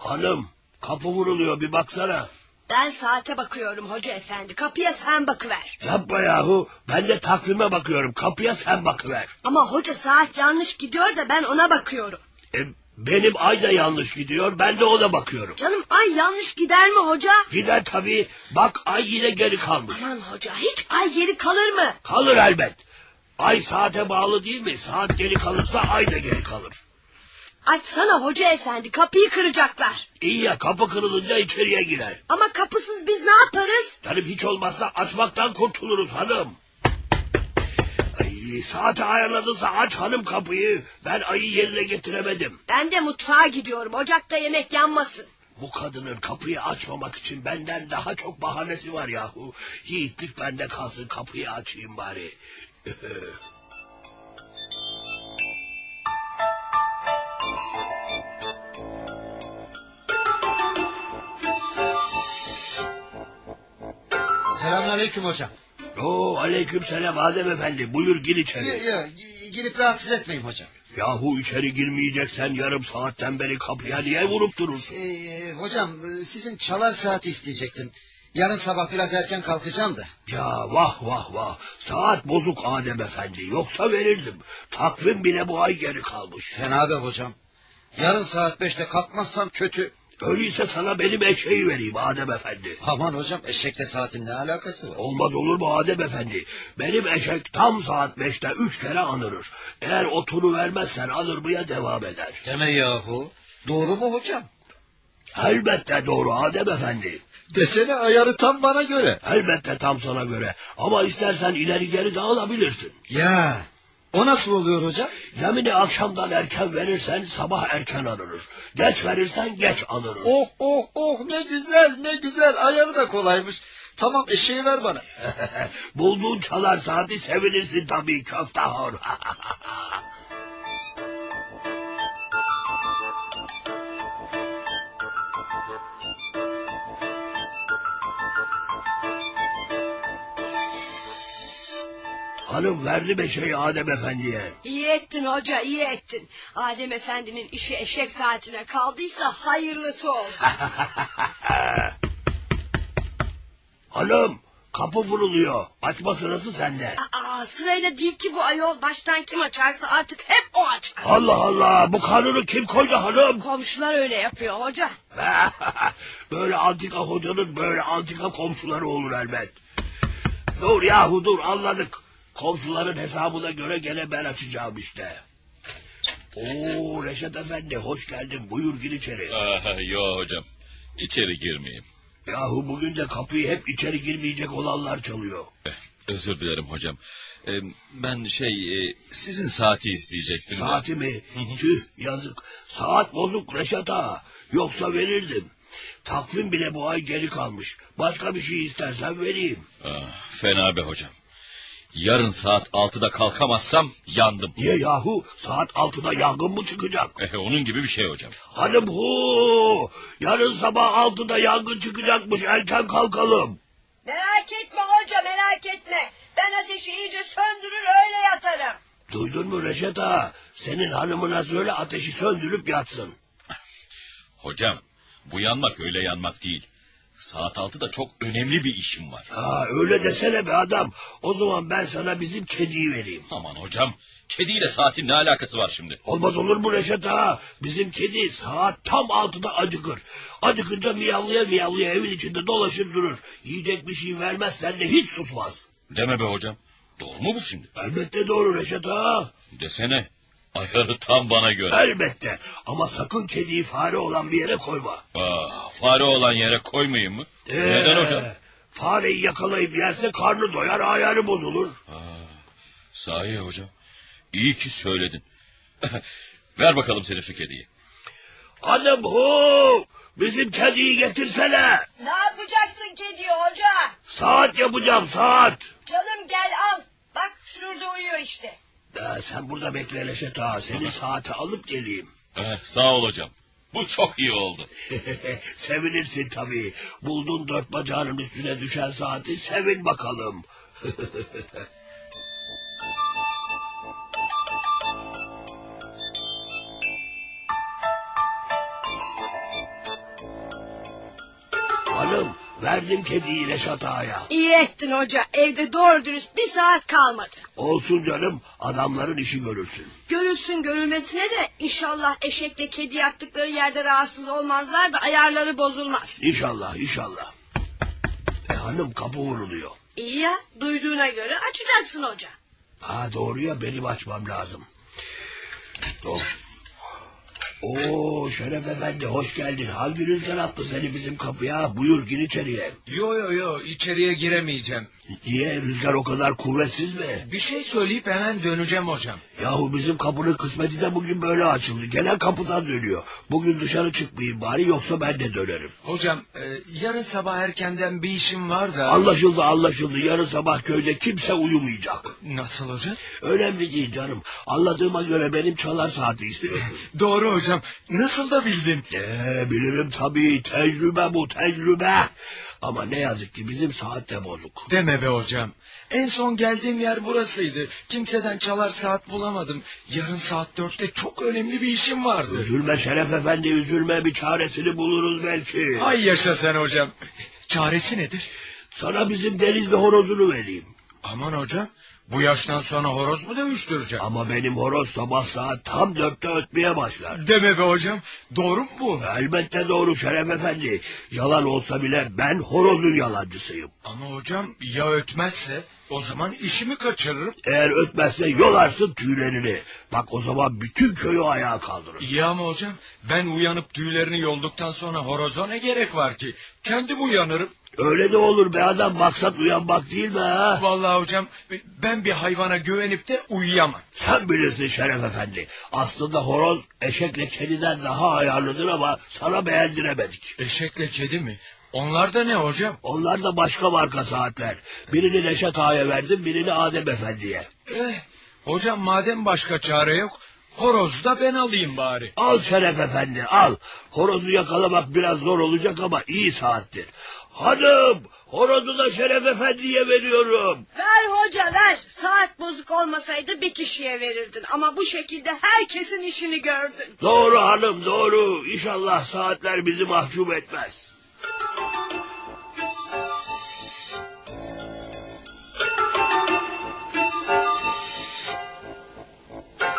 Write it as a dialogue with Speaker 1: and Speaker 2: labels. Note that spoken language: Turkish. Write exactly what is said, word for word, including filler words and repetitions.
Speaker 1: Hanım, kapı vuruluyor, bir baksana.
Speaker 2: Ben saate bakıyorum hoca efendi. Kapıya sen bakıver.
Speaker 1: Yapma yahu. Ben de takvime bakıyorum. Kapıya sen bakıver.
Speaker 2: Ama hoca saat yanlış gidiyor da ben ona bakıyorum.
Speaker 1: E, benim ay da yanlış gidiyor. Ben de ona bakıyorum.
Speaker 2: Canım ay yanlış gider mi hoca?
Speaker 1: Gider tabii. Bak ay yine geri kalmış.
Speaker 2: Aman hoca, hiç ay geri kalır mı?
Speaker 1: Kalır elbet. Ay saate bağlı değil mi? Saat geri kalırsa ay da geri kalır.
Speaker 2: Açsana hoca efendi, kapıyı kıracaklar.
Speaker 1: İyi ya, kapı kırılınca içeriye girer.
Speaker 2: Ama kapısız biz ne yaparız?
Speaker 1: Canım hiç olmazsa açmaktan kurtuluruz hanım. Ay, saate ayarladıysa aç hanım kapıyı. Ben ayı yerine getiremedim.
Speaker 2: Ben de mutfağa gidiyorum, ocakta yemek yanmasın.
Speaker 1: Bu kadının kapıyı açmamak için benden daha çok bahanesi var yahu. Yiğitlik bende kalsın, kapıyı açayım bari.
Speaker 3: Selamünaleyküm hocam.
Speaker 1: Oo, aleyküm selam Adem efendi, buyur gir içeri.
Speaker 3: Yok yok, girip rahatsız etmeyin hocam.
Speaker 1: Yahu içeri girmeyeceksen yarım saatten beri kapıya niye vurup durursun?
Speaker 3: Ee, hocam sizin çalar saati isteyecektim. Yarın sabah biraz erken kalkacağım da.
Speaker 1: Ya vah vah vah, saat bozuk Adem efendi, yoksa verirdim. Takvim bile bu ay geri kalmış.
Speaker 3: Fena be hocam. Yarın saat beşte kalkmazsam kötü.
Speaker 1: Öyleyse sana benim eşeği vereyim Adem efendi.
Speaker 3: Aman hocam, eşekle saatin ne alakası var?
Speaker 1: Olmaz olur mu Adem efendi? Benim eşek tam saat beşte üç kere anırır. Eğer otunu vermezsen anırmaya devam eder.
Speaker 3: Deme yahu. Doğru mu hocam?
Speaker 1: Elbette doğru Adem efendi.
Speaker 3: Desene, ayarı tam bana göre.
Speaker 1: Elbette tam sana göre. Ama istersen ileri geri de alabilirsin.
Speaker 3: Ya o nasıl oluyor hocam?
Speaker 1: Yemini akşamdan erken verirsen sabah erken anırır. Geç verirsen geç anırır.
Speaker 3: Oh oh oh, ne güzel ne güzel, ayarı da kolaymış. Tamam, eşeği ver bana.
Speaker 1: Bulduğun çalar saati sevinirsin tabii köftahor. Hanım verdi eşeği Adem efendiye.
Speaker 2: İyi ettin hoca, iyi ettin. Adem efendinin işi eşek saatine kaldıysa hayırlısı olsun.
Speaker 1: Hanım, kapı vuruluyor. Açma sırası sende.
Speaker 2: Aa, sırayla değil ki bu ayol. Baştan kim açarsa artık hep o açar.
Speaker 1: Allah Allah, bu kanunu kim koydu hanım?
Speaker 2: Komşular öyle yapıyor hoca.
Speaker 1: Böyle antika hocanın böyle antika komşuları olur elbet. Dur yahu dur, anladık. Komşuların hesabına göre gene ben açacağım işte. Oo Reşat efendi, hoş geldin, buyur gir içeri.
Speaker 4: Aha, yo hocam, içeri girmeyeyim.
Speaker 1: Yahu bugün de kapıyı hep içeri girmeyecek olanlar çalıyor.
Speaker 4: Eh, özür dilerim hocam. Ee, ben şey e, sizin saati isteyecektim.
Speaker 1: Saati mi? Tüh yazık. Saat bozuk Reşat ağa. Yoksa verirdim. Takvim bile bu ay geri kalmış. Başka bir şey istersen vereyim.
Speaker 4: Ah, fena be hocam. Yarın saat altıda kalkamazsam yandım.
Speaker 1: Niye yahu? Saat altıda yangın mı çıkacak?
Speaker 4: Eh, onun gibi bir şey hocam.
Speaker 1: Hanım hu! Yarın sabah altıda yangın çıkacakmış. Erken kalkalım.
Speaker 2: Merak etme hoca, merak etme. Ben ateşi iyice söndürür öyle yatarım.
Speaker 1: Duydun mu Reşat ağa? Senin hanımına söyle ateşi söndürüp yatsın.
Speaker 4: Hocam, bu yanmak öyle yanmak değil. Saat altıda çok önemli bir işim var.
Speaker 1: Ha öyle desene be adam. O zaman ben sana bizim kediyi vereyim.
Speaker 4: Aman hocam, kediyle saatin ne alakası var şimdi?
Speaker 1: Olmaz olur mu Reşat ağa? Bizim kedi saat tam altıda acıkır. Acıkınca miyavlaya miyavlaya evin içinde dolaşır durur. Yiyecek bir şey vermezsen de hiç susmaz.
Speaker 4: Deme be hocam. Doğru mu bu şimdi?
Speaker 1: Elbette doğru Reşat ağa.
Speaker 4: Desene. Ayarı tam bana göre.
Speaker 1: Elbette. Ama sakın kediyi fare olan bir yere koyma.
Speaker 4: Aa, fare olan yere koymayayım mı?
Speaker 1: Ee,
Speaker 4: Neden hocam?
Speaker 1: Fareyi yakalayıp yerse karnı doyar, ayarı bozulur.
Speaker 4: Aa, sahi hocam. İyi ki söyledin. Ver bakalım senin şu kediyi.
Speaker 1: Hanım hu! Bizim kediyi getirsene.
Speaker 2: Ne yapacaksın kediyi hoca?
Speaker 1: Saat yapacağım, saat.
Speaker 2: Canım gel al. Bak şurada uyuyor işte.
Speaker 1: Ee, sen burada bekle Reşat ağa. Seni saate alıp geleyim.
Speaker 4: Eh, sağ ol hocam. Bu çok iyi oldu.
Speaker 1: Sevinirsin tabii. Buldun dört bacağının üstüne düşen saati, sevin bakalım. Verdim kediyi Reşat Ağa'ya.
Speaker 2: İyi ettin hoca. Evde doğru dürüst bir saat kalmadı.
Speaker 1: Olsun canım, adamların işi görürsün.
Speaker 2: Görülsün görülmesine de inşallah eşekle kedi yattıkları yerde rahatsız olmazlar da ayarları bozulmaz.
Speaker 1: İnşallah, inşallah. E hanım, kapı vuruluyor.
Speaker 2: İyi ya, duyduğuna göre açacaksın hoca.
Speaker 1: Ha doğru ya, benim açmam lazım. Oh. Oo Şeref Efendi, hoş geldin. Hangi rüzgar attı seni bizim kapıya? Buyur, gir içeriye.
Speaker 5: Yo yo yo içeriye giremeyeceğim.
Speaker 1: Niye, rüzgar o kadar kuvvetsiz mi?
Speaker 5: Bir şey söyleyip hemen döneceğim hocam.
Speaker 1: Yahu bizim kapının kısmeti de bugün böyle açıldı. Gelen kapıdan dönüyor. Bugün dışarı çıkmayayım bari, yoksa ben de dönerim.
Speaker 5: Hocam e, yarın sabah erkenden bir işim var da...
Speaker 1: Anlaşıldı anlaşıldı. Yarın sabah köyde kimse uyumayacak.
Speaker 5: Nasıl hocam?
Speaker 1: Önemli değil canım. Anladığıma göre benim çalar saati istiyorsun.
Speaker 5: Doğru hocam. Nasıl da bildin?
Speaker 1: Ee, bilirim tabii. Tecrübe bu, tecrübe. Ama ne yazık ki bizim saat de bozuk.
Speaker 5: Deme be hocam. En son geldiğim yer burasıydı. Kimseden çalar saat bulamadım. Yarın saat dörtte çok önemli bir işim vardı.
Speaker 1: Üzülme Şeref Efendi, üzülme. Bir çaresini buluruz belki.
Speaker 5: Ay yaşa sen hocam. Çaresi nedir?
Speaker 1: Sana bizim Denizli horozunu vereyim.
Speaker 5: Aman hocam. Bu yaştan sonra horoz mu dövüştüreceğim?
Speaker 1: Ama benim horoz sabah saat tam dörtte ötmeye başlar.
Speaker 5: Deme be hocam. Doğru mu bu?
Speaker 1: Elbette doğru Şeref Efendi. Yalan olsa bile ben horozun yalancısıyım.
Speaker 5: Ama hocam ya ötmezse o zaman işimi kaçırırım.
Speaker 1: Eğer ötmezse yolarsın tüylerini. Bak o zaman bütün köyü ayağa kaldırır.
Speaker 5: İyi ama hocam ben uyanıp tüylerini yolduktan sonra horoza ne gerek var ki? Kendim uyanırım.
Speaker 1: Öyle de olur be adam, maksat uyanmak değil mi ha?
Speaker 5: Vallahi hocam ben bir hayvana güvenip de uyuyamam.
Speaker 1: Sen bilirsin Şeref Efendi. Aslında horoz eşekle kediden daha ayarlıdır ama sana beğendiremedik.
Speaker 5: Eşekle kedi mi? Onlar da ne hocam?
Speaker 1: Onlar da başka marka saatler. Birini Reşat Ağa'ya verdim, birini Adem Efendi'ye.
Speaker 5: Eh, hocam madem başka çare yok, horozu da ben alayım bari.
Speaker 1: Al Şeref Efendi, al. Horozu yakalamak biraz zor olacak ama iyi saattir. Hanım, horozu da Şeref Efendi'ye veriyorum.
Speaker 2: Ver hoca ver. Saat bozuk olmasaydı bir kişiye verirdin. Ama bu şekilde herkesin işini gördün.
Speaker 1: Doğru hanım, doğru. İnşallah saatler bizi mahcup etmez.